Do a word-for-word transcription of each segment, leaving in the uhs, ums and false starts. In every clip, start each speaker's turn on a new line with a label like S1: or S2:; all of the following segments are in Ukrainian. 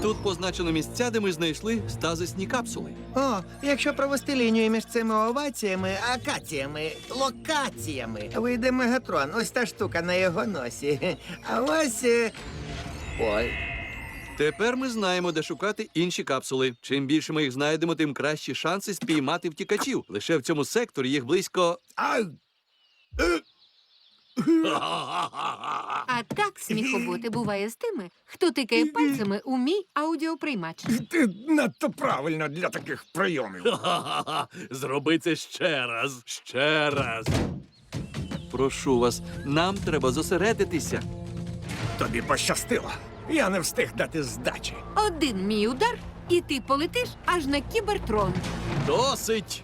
S1: Тут позначено місця, де ми знайшли стазисні капсули.
S2: О, якщо провести лінію між цими оваціями, акаціями, локаціями, вийде Мегатрон. Ось та штука на його носі. А ось... е, Ой.
S1: Тепер ми знаємо, де шукати інші капсули. Чим більше ми їх знайдемо, тим кращі шанси спіймати втікачів. Лише в цьому секторі їх близько...
S2: Ай!
S3: А так сміхоботи буває з тими, хто тикає пальцями у мій аудіоприймач.
S4: Ти надто правильно для таких прийомів.
S1: Зроби це ще раз, ще раз. Прошу вас, нам треба зосередитися.
S4: Тобі пощастило. Я не встиг дати здачі.
S3: Один мій удар, і ти полетиш аж на кібертрон.
S1: Досить!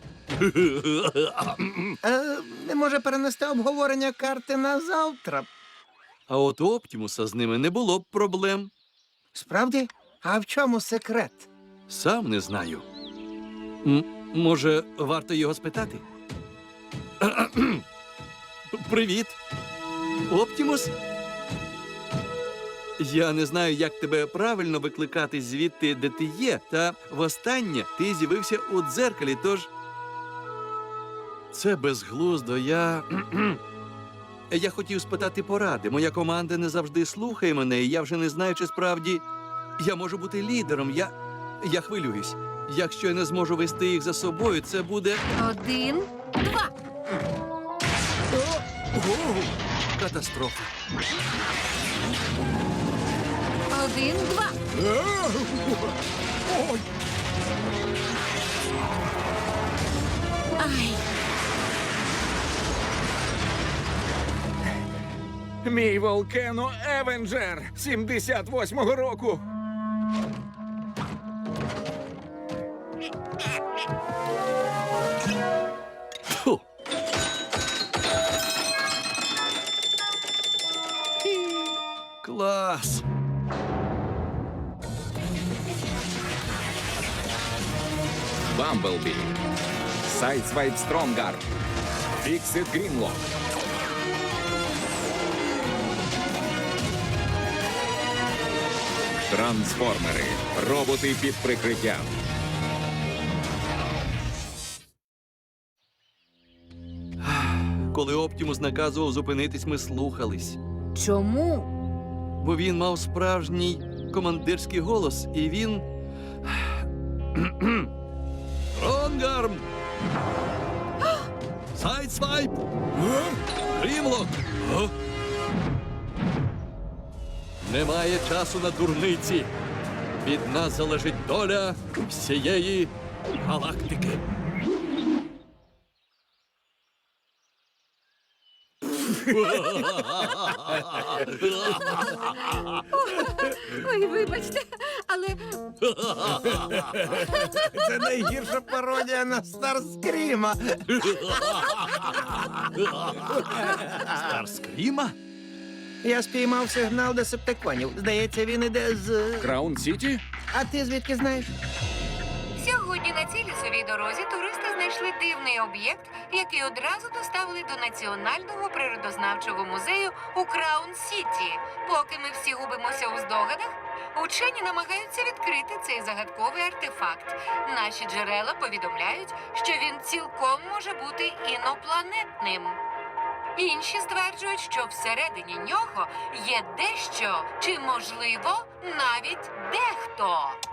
S2: Е, не може перенести обговорення карти на завтра.
S1: А от у Оптімуса з ними не було б проблем.
S2: Справді? А в чому секрет?
S1: Сам не знаю. М- може, варто його спитати? Привіт! Оптімус? Я не знаю, як тебе правильно викликати звідти, де ти є, та востаннє ти з'явився у дзеркалі, тож... Це безглуздо, я... Я хотів спитати поради. Моя команда не завжди слухає мене, і я вже не знаю, чи справді я можу бути лідером. Я... Я хвилююсь. Якщо я не зможу вести їх за собою, це буде...
S3: Один, два.
S1: О, катастрофа.
S3: Один, два.
S4: Ой,
S3: Ай,
S4: мій Волкено Евенджер сімдесят восьмого року.
S1: Фу. Клас!
S5: Бамблбі, Сайдсвайп Стронгард, Фіксит Грінлок. Трансформери. Роботи під прикриттям.
S1: Коли Оптімус наказував зупинитись, ми слухались.
S3: чому?
S1: Бо він мав справжній командирський голос, і він... Ронгарм! Сайдсвайп! Грімлок! Немає часу на дурниці. Від нас залежить доля всієї галактики.
S3: Ой, вибачте, але
S2: Це найгірша пародія на Старскріма.
S1: Старскріма?
S2: Я спіймав сигнал десептиконів. Здається, він іде з...
S5: Краун Сіті?
S2: А ти звідки знаєш?
S3: сьогодні на цій лісовій дорозі туристи знайшли дивний об'єкт, який одразу доставили до Національного природознавчого музею у Краун-Сіті. Поки ми всі губимося у здогадах, учені намагаються відкрити цей загадковий артефакт. Наші джерела повідомляють, що він цілком може бути інопланетним. Інші стверджують, що всередині нього є дещо, чи, можливо, навіть дехто.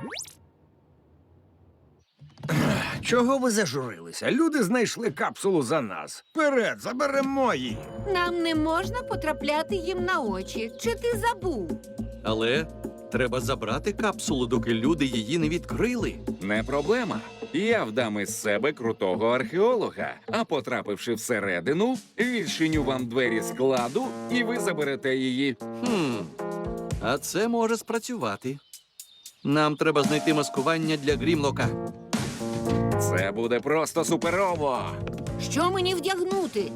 S4: Чого ви зажурилися? Люди знайшли капсулу за нас. Вперед, заберемо її.
S3: Нам не можна потрапляти їм на очі. Чи ти забув?
S1: Але треба забрати капсулу, доки люди її не відкрили.
S5: Не проблема. Я вдам із себе крутого археолога, а потрапивши всередину, відчиню вам двері складу, і ви заберете її.
S1: Хм, а це може спрацювати. Нам треба знайти маскування для Грімлока.
S5: Це буде просто суперово.
S3: Що мені вдягнути?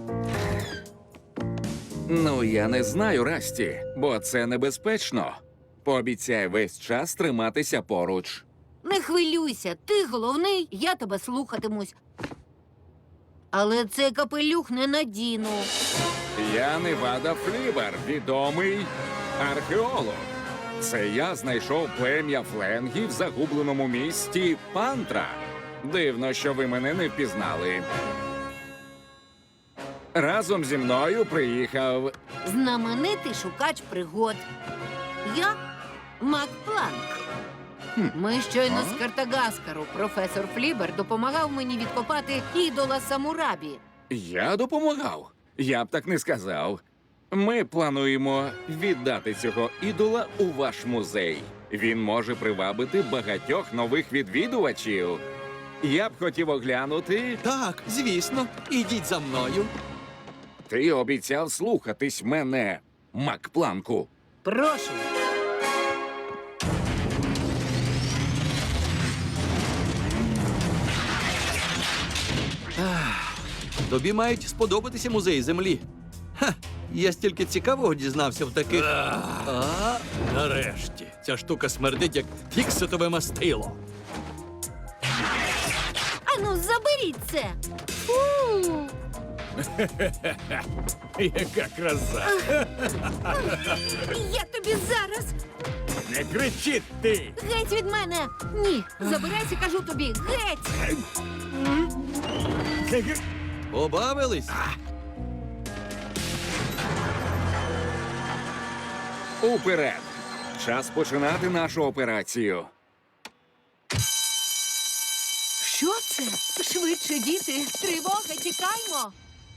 S5: Ну, я не знаю, Расті, бо це небезпечно. Пообіцяй весь час триматися поруч.
S3: Не хвилюйся, ти головний, я тебе слухатимусь. Але цей капелюх не надіну.
S5: Я Невада Флібер, відомий археолог. Це я знайшов плем'я фленгів в загубленому місті Пантра. Дивно, що ви мене не впізнали. Разом зі мною приїхав.
S6: Знаменитий шукач пригод. Я Мак Планк. Ми щойно з Картагаскару. Професор Флібер допомагав мені відкопати ідола Самурабі.
S5: Я допомагав. Я б так не сказав. Ми плануємо віддати цього ідола у ваш музей. Він може привабити багатьох нових відвідувачів. Я б хотів оглянути.
S1: Так, звісно, ідіть за мною.
S5: Ти обіцяв слухатись мене, Макпланку.
S6: Прошу.
S1: Тобі мають сподобатися музеї землі. Ха, я стільки цікавого дізнався в таких. А, нарешті. Ця штука смердить, як фікситове мастило.
S6: Ану, заберіть це. Фу.
S4: Яка краса!
S6: Я тобі зараз.
S4: Не кричіть ти!
S6: Геть від мене. Ні, забирайся, кажу тобі. Геть.
S1: Побавились?
S5: Уперед! Час починати нашу операцію.
S6: Що це? Швидше, діти. Тривога, тікаймо.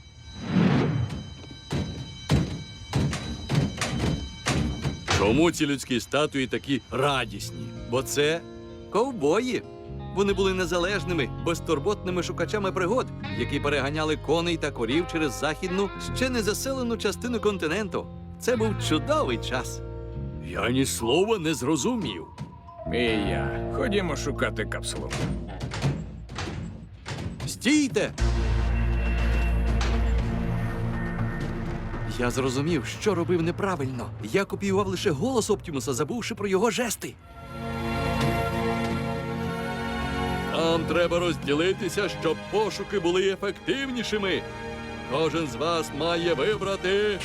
S1: Чому ці людські статуї такі радісні? Бо це ковбої. Вони були незалежними, безтурботними шукачами пригод, які переганяли коней та корів через західну, ще не заселену частину континенту. Це був чудовий час. Я ні слова не зрозумів.
S4: І я. Ходімо шукати капсулу.
S1: Стійте! Я зрозумів, що робив неправильно. Я копіював лише голос Оптімуса, забувши про його жести. Нам треба розділитися, щоб пошуки були ефективнішими. Кожен з вас має вибрати.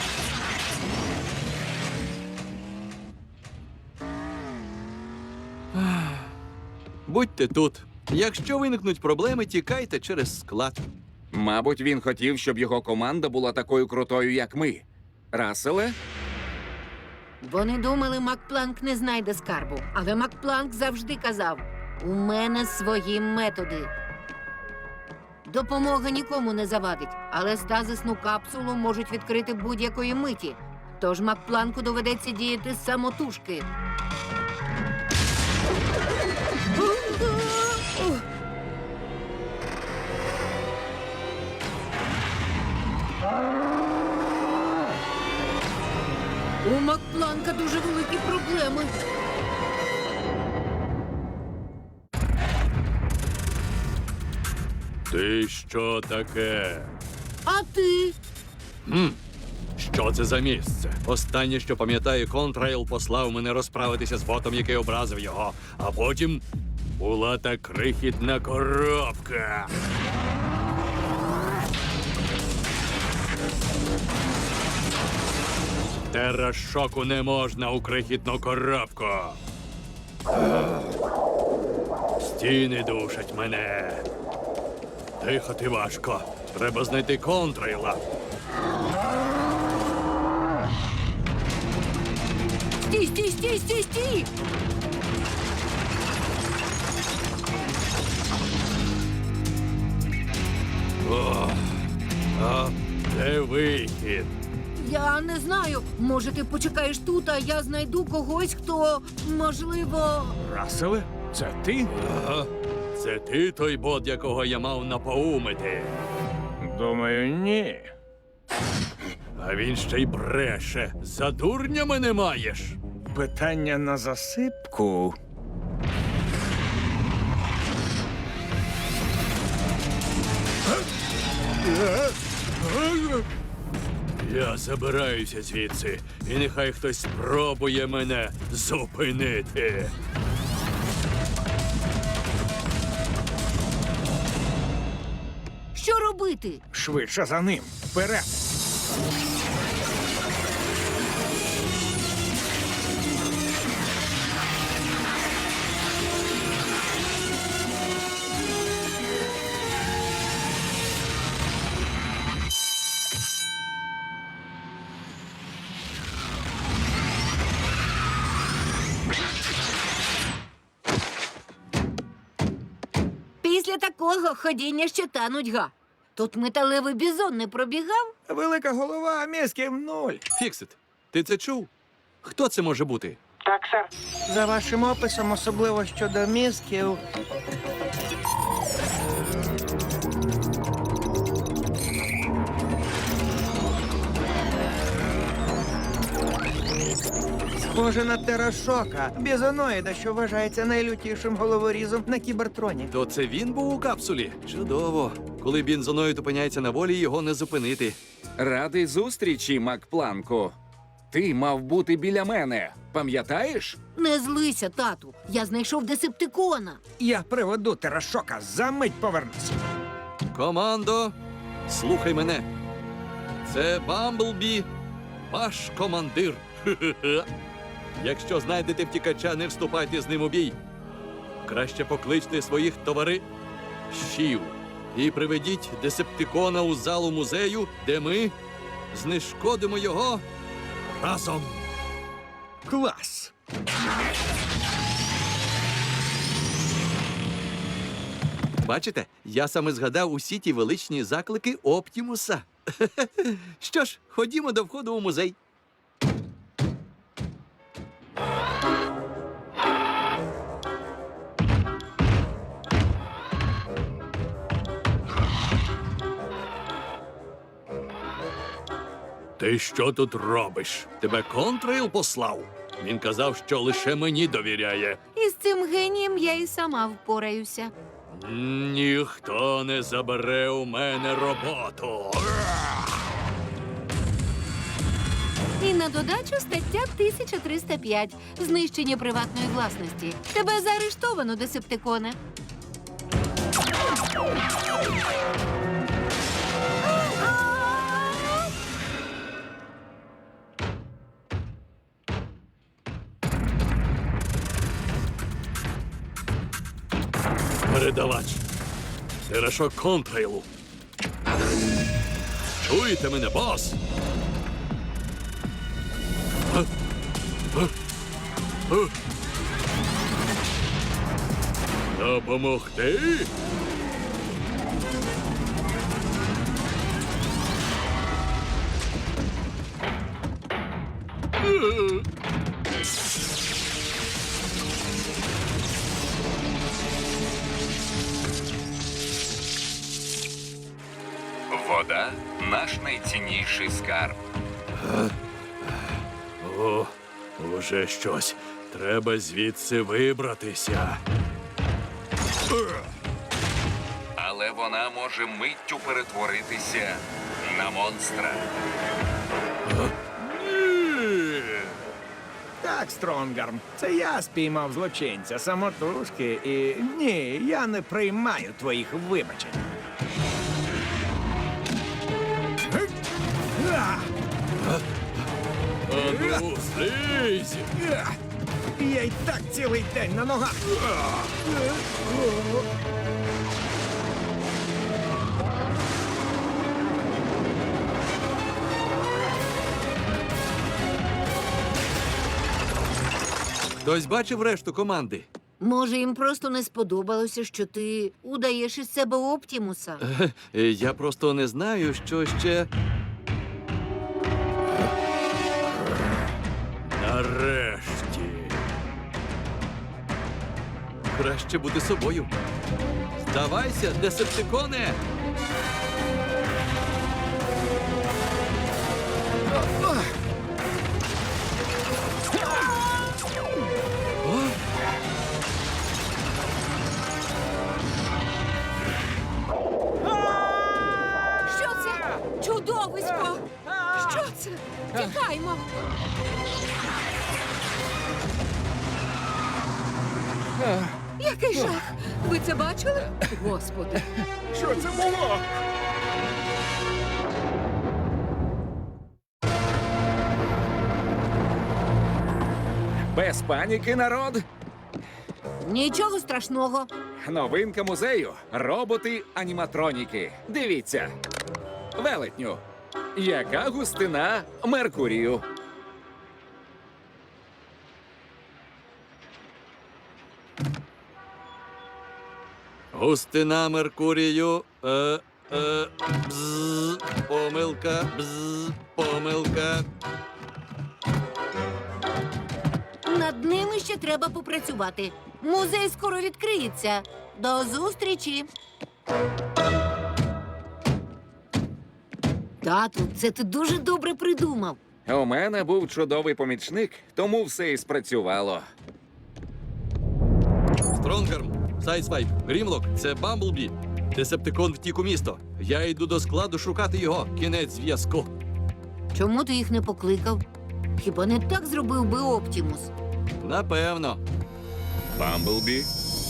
S1: Ах. Будьте тут. Якщо виникнуть проблеми, тікайте через склад.
S5: Мабуть, він хотів, щоб його команда була такою крутою, як ми. Расселе?
S6: Вони думали, Макпланк не знайде скарбу. Але Макпланк завжди казав: у мене свої методи. Допомога нікому не завадить, але стазисну капсулу можуть відкрити будь-якої миті. Тож Макпланку доведеться діяти самотужки. У Макпланка дуже великі проблеми.
S1: Ти що таке?
S6: А ти?
S1: Хм. Що це за місце? Останнє, що пам'ятаю, Контрейл послав мене розправитися з ботом, який образив його. А потім була та крихітна коробка. Терашоку не можна у крихітну коробку. Стіни душать мене. Дихати важко. Треба знайти Контрейла.
S6: Стій, стій, стій, стій, стій!
S1: О, а де вихід?
S6: Я не знаю. Може, ти почекаєш тут, а я знайду когось, хто, можливо...
S4: Расселе? Це ти?
S1: Ага. Це ти той бот, якого я мав напоумити.
S4: Думаю, ні.
S1: А він ще й бреше. За дурня мене маєш.
S4: Питання на засипку.
S1: Я забираюся звідси, і нехай хтось спробує мене зупинити.
S6: Що робити?
S4: Швидше за ним. Вперед!
S6: Після такого ходіння ще та нудьга. Тут металевий бізон не пробігав?
S4: Велика голова, а мізків нуль.
S1: Фіксит, ти це чув? Хто це може бути?
S2: Так, сер. За вашим описом, особливо щодо мізків. Схоже на терашока, бізоноїда, що вважається найлютішим головорізом на кібертроні.
S1: То це він був у капсулі? Чудово. Коли бензоноїд опиняється на волі, його не зупинити.
S5: Радий зустрічі, Макпланку. Ти мав бути біля мене. Пам'ятаєш?
S6: Не злися, тату. Я знайшов десептикона.
S4: Я приведу терашока, за мить повернусь.
S1: Командо, слухай мене. Це Бамблбі, ваш командир. Хе-хе-хе. Якщо знайдете втікача, не вступайте з ним у бій. Краще покличте своїх товаришів і приведіть десептикона у залу музею, де ми знешкодимо його разом.
S4: Клас!
S1: Бачите, я саме згадав усі ті величні заклики Оптімуса. Що ж, ходімо до входу у музей. Ти що тут робиш? Тебе контрейл послав? Він казав, що лише мені довіряє.
S6: Із цим генієм я і сама впораюся.
S1: Ніхто не забере у мене роботу.
S6: І на додачу стаття тисяча триста п'ять – знищення приватної власності. Тебе заарештовано, десептиконе.
S1: Передавач. Терашок контрейлу. Чуєте мене, бос? Га? Га? Га? Допомогти? Е.
S5: Вода наш найцінніший скарб.
S1: О, уже щось. Треба звідси вибратися.
S5: Але вона може миттю перетворитися на монстра.
S1: Ні!
S4: Так, Стронгарм, це я спіймав злочинця самотужки і ні, я не приймаю твоїх вибачень. А!
S1: Ану, слизь!
S4: Я й так цілий день на ногах.
S1: Хтось бачив решту команди?
S6: Може, їм просто не сподобалося, що ти удаєш із себе Оптімуса?
S1: Е, Я просто не знаю, що ще. Нарешті. Краще бути собою. Здавайся, десептиконе! О!
S6: Що це? Чудовисько! Що це? Тікаймо! Який жах! Ви це бачили? Господи!
S4: Що це було?
S5: Без паніки, народ!
S6: Нічого страшного.
S5: Новинка музею – роботи-аніматроніки. Дивіться. Велетню. Яка густина Меркурію?
S1: Густина Меркурію. Е, е, бз, помилка, бз, помилка.
S6: Над ними ще треба попрацювати. Музей скоро відкриється. До зустрічі. Тату, це ти дуже добре придумав.
S5: У мене був чудовий помічник, тому все і спрацювало.
S1: Стронгарм, Сайдсвайп, Грімлок – це Бамблбі. Десептикон втік у місто. Я йду до складу шукати його. Кінець зв'язку.
S6: Чому ти їх не покликав? Хіба не так зробив би Оптімус?
S1: Напевно.
S5: Бамблбі?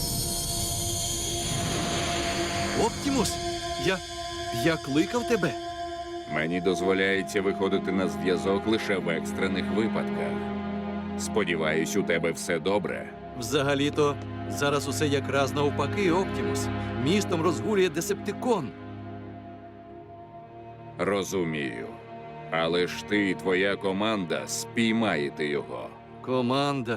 S1: Оптімус, я. я кликав тебе.
S5: Мені дозволяється виходити на зв'язок лише в екстрених випадках. Сподіваюсь, у тебе все добре.
S1: Взагалі-то, зараз усе якраз навпаки, Оптімус. Містом розгулює Десептикон.
S5: Розумію. Але ж ти і твоя команда спіймаєте його.
S1: Команда.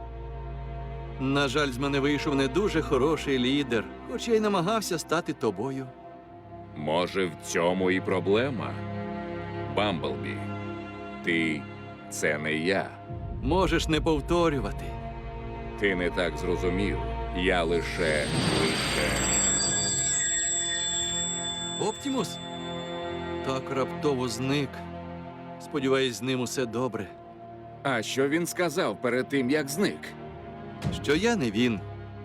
S1: На жаль, з мене вийшов не дуже хороший лідер, хоч я й намагався стати тобою.
S5: Може, в цьому і проблема? Бамблбі, ти – це не я.
S1: Можеш не повторювати.
S5: Ти не так зрозумів. Я лише лише.
S1: Оптімус? Так раптово зник. Сподіваюсь, з ним усе добре.
S5: А що він сказав перед тим, як зник?
S1: Що я не він.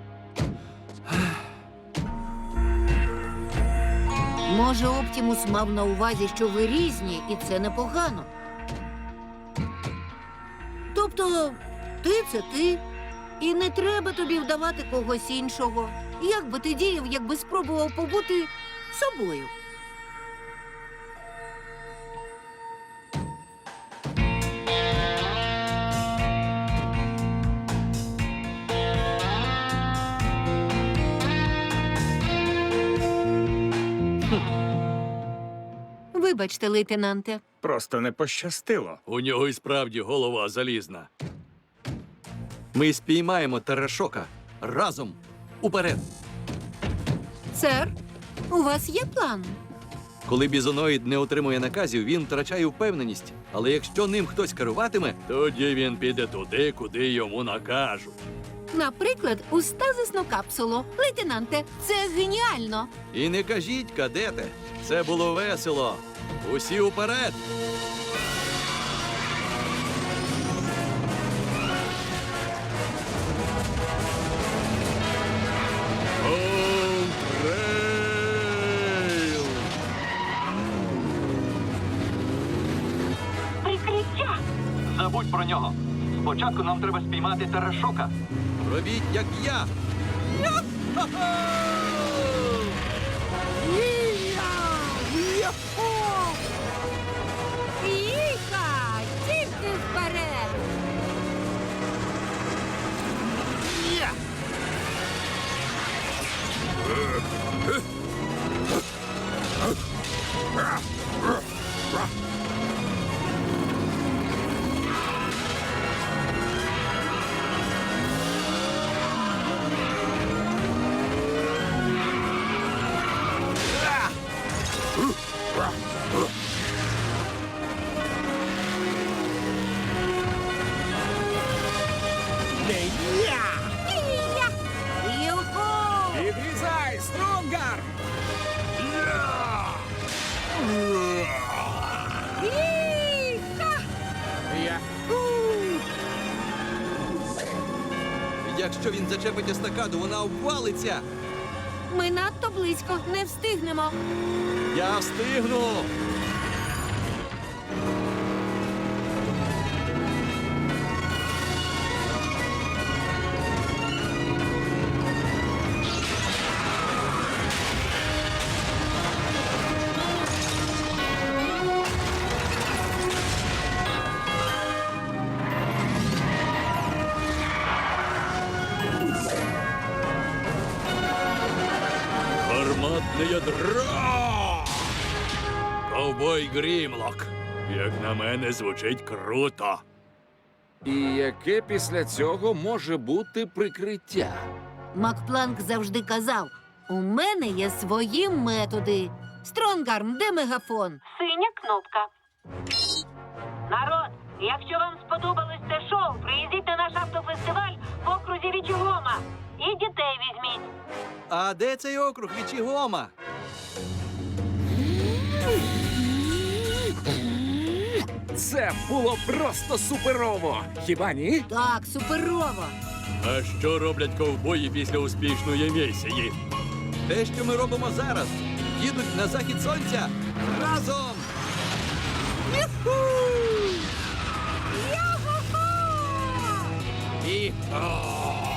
S6: Може, Оптімус мав на увазі, що ви різні, і це непогано. Тобто, ти це ти, і не треба тобі вдавати когось іншого. Як би ти діяв, якби спробував побути собою? Вибачте, лейтенанте.
S4: Просто не пощастило.
S1: У нього і справді голова залізна. Ми спіймаємо Терашока. Разом. Уперед.
S6: Сер, у вас є план?
S1: Коли бізоноїд не отримує наказів, він втрачає впевненість. Але якщо ним хтось керуватиме, тоді він піде туди, куди йому накажуть.
S6: Наприклад, у стазисну капсулу. Лейтенанте, це геніально.
S1: І не кажіть, кадете, це було весело. Усі уперед! Контрейл!
S3: Прикриття!
S1: Забудь про нього. Спочатку нам треба спіймати Терашока. Робіть, як я.
S6: Їха! Тільки вперед! Юху!
S5: Відрізай, Стронгар!
S6: Їха!
S4: Я
S1: Якщо він зачепить естакаду, вона обвалиться.
S6: Ми надто близько, не встигнемо.
S1: Я встигну. Гарматне ядро! Ковбой Грімлок. Як на мене, звучить круто.
S5: І яке після цього може бути прикриття?
S6: Макпланк завжди казав, У мене є свої методи. Стронгарм, де мегафон?
S3: Синя кнопка. Народ, якщо вам сподобалось це шоу, приїздіть на наш автофестиваль в окрузі Вічігома. І дітей візьміть.
S1: А де цей округ Вічігома?
S5: Це було просто суперово! Хіба ні?
S6: Так, суперово.
S1: А що роблять ковбої після успішної місії? Те, що ми робимо зараз. Їдуть на захід сонця разом. І...